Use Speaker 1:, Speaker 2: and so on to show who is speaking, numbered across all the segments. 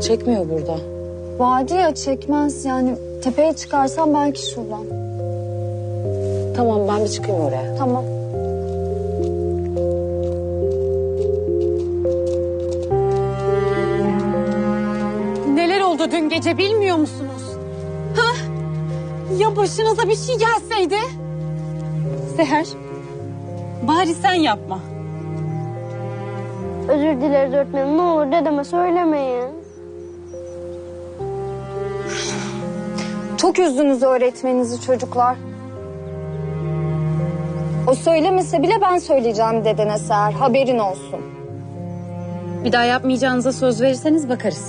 Speaker 1: çekmiyor burada.
Speaker 2: Vadi ya, çekmez yani. Tepeye çıkarsam belki şuradan.
Speaker 1: Tamam, ben bir çıkayım oraya.
Speaker 2: Tamam.
Speaker 3: Neler oldu dün gece bilmiyor musunuz? Ha? Ya başınıza bir şey gelseydi? Seher, bari sen yapma.
Speaker 4: Özür dileriz öğretmenim. Ne olur dedeme söylemeyin.
Speaker 2: Çok üzdünüz öğretmeninizi çocuklar. O söylemese bile ben söyleyeceğim dedene Seher. Haberin olsun.
Speaker 3: Bir daha yapmayacağınıza söz verirseniz bakarız.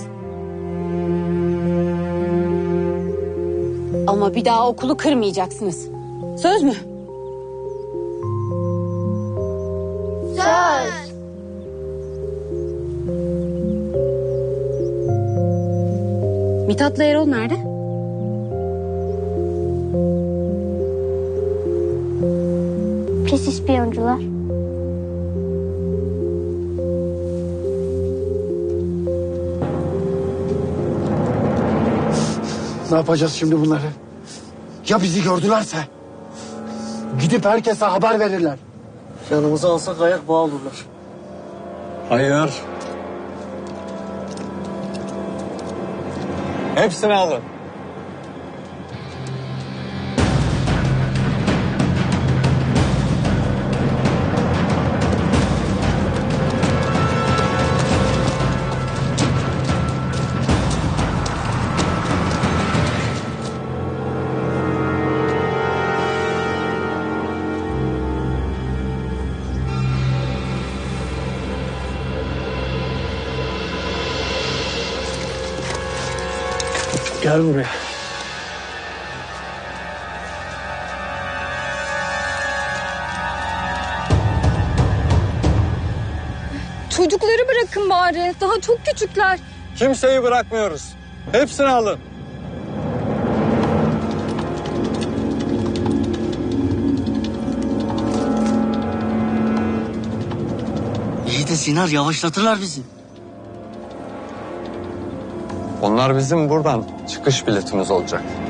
Speaker 3: Ama bir daha okulu kırmayacaksınız. Söz mü?
Speaker 4: Söz.
Speaker 3: Mithat'la Erol nerede?
Speaker 4: Pis ispiyoncular.
Speaker 5: Ne yapacağız şimdi bunları? Ya bizi gördülerse? Gidip herkese haber verirler.
Speaker 6: Yanımıza alsak ayak bağı olurlar.
Speaker 7: Hayır. Hepsini alın.
Speaker 5: Gel buraya.
Speaker 2: Çocukları bırakın bari. Daha çok küçükler.
Speaker 7: Kimseyi bırakmıyoruz. Hepsini alın.
Speaker 6: İyi de Sinar yavaşlatırlar bizi.
Speaker 7: Onlar bizim buradan çıkış biletimiz olacak.